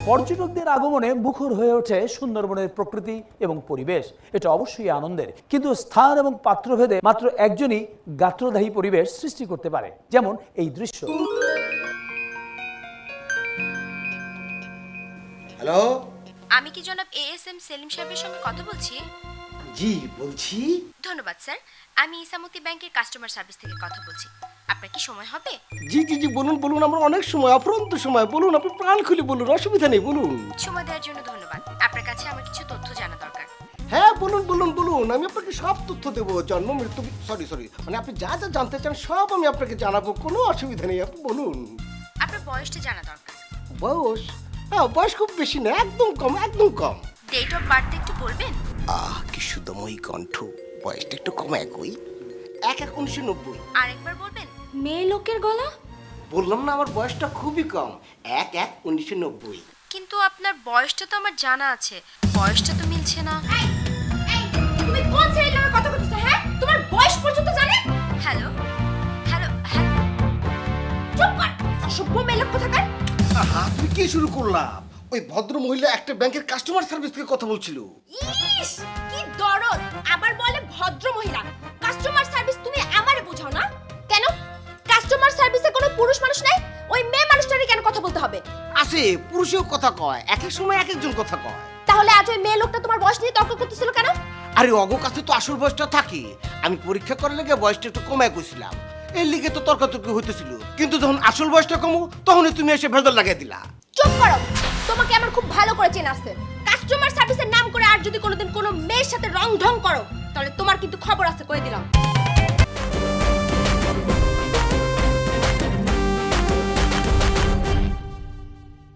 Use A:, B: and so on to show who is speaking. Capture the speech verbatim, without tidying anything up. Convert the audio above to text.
A: পর্যটকদের আগমনে মুখর হয়ে ওঠে সুন্দরবনের প্রকৃতি এবং পরিবেশ। এটা অবশ্যই আনন্দের, কিন্তু স্থান এবং পাত্রভেদে মাত্র একজনই গাত্রদাহী পরিবেশ সৃষ্টি করতে পারে, যেমন এই দৃশ্য।
B: হ্যালো,
C: আমি কি জনাব এ এস এম সেলিম সাহেবের সঙ্গে কথা বলছি?
B: জি বলছি।
C: ধন্যবাদ স্যার, আমি ইসামতি ব্যাংকের কাস্টমার সার্ভিস থেকে কথা বলছি। আপনার কি সময় হবে?
B: জি জি জি বলুন বলুন, আমরা অনেক সময়, অফুরন্ত সময়, বলুন, আপনি প্রাণ খুলে বলুন, অসুবিধা নেই, বলুন।
C: সময় দেওয়ার জন্য ধন্যবাদ। আপনার কাছে আমার কিছু তথ্য জানা দরকার।
B: হ্যাঁ বলুন বলুন বলুন, আমি আপনাকে সব তথ্য দেবো, জন্ম মৃত্যু, সরি সরি মানে আপনি যা যা জানতে চান সব আমি আপনাকে জানাবো, কোনো অসুবিধা নেই, আপনি বলুন।
C: আপনার বয়সটা জানা দরকার।
B: বয়স? হ্যাঁ, বয়স খুব বেশি না, একদম কম, একদম কম।
C: ডেট অফ বার্থ একটু বলবেন?
B: আহ কি সুদময়ী কণ্ঠ, বয়সটা একটু কম, একই এক এক উনিশশো নব্বই।
C: আরেকবার বলবেন? মেয়ে লোকের গলা।
B: বললাম না আমার বয়সটা খুবই কম, এক এক উনিশশো নব্বই।
C: কিন্তু আপনার বয়সটা তো আমার জানা আছে, বয়সটা তো মিলছে না।
D: তুমি কোন ছেলের লগে কথা কইতেছো? হ্যাঁ, তোমার বয়স পর্যন্ত জানে?
C: হ্যালো হ্যালো হ্যালো,
D: চুপ কর, অসভ্য মেয়ে লোক কোথাকার।
B: আহা, তুমি কি শুরু করলাম? ওই ভদ্র মহিলা একটা ব্যাংকের কাস্টমার সার্ভিস থেকে কথা বলছিল।
D: ইস, কি দরদ! আবার বলে ভদ্র মহিলা। কাস্টমার সার্ভিস তুমি আমারে বোঝাও না কেন? কাস্টমার সার্ভিসে কোনো পুরুষ মানুষ নাই, ওই মেয়ে মানুষটারই কেন কথা বলতে হবে?
B: আছে, পুরুষেও কথা কয়, এক এক সময় এক একজন কথা কয়।
D: তাহলে আজ ওই মেয়ে লোকটা তোমার বয়স নিয়ে তর্ক করতেছিল কেন?
B: আরে অগ কাছে তো আসল বয়সটা থাকে, আমি পরীক্ষা করার লেগে বয়সটা একটু কমায় কইছিলাম, এর লিগে তো তর্কাতর্কি হইতেছিল, কিন্তু যখন আসল বয়সটা কমু তখনই তুমি এসে ভেজাল লাগাই দিলা।
D: চুপ করো, তোমাকে আমার খুব ভালো করে চেনা আছে। কাস্টমার সার্ভিসের নাম করে আর যদি কোনোদিন কোনো মেয়ের সাথে রং ঢং করো তাহলে তোমার কিন্তু খবর আছে, কই দিলাম।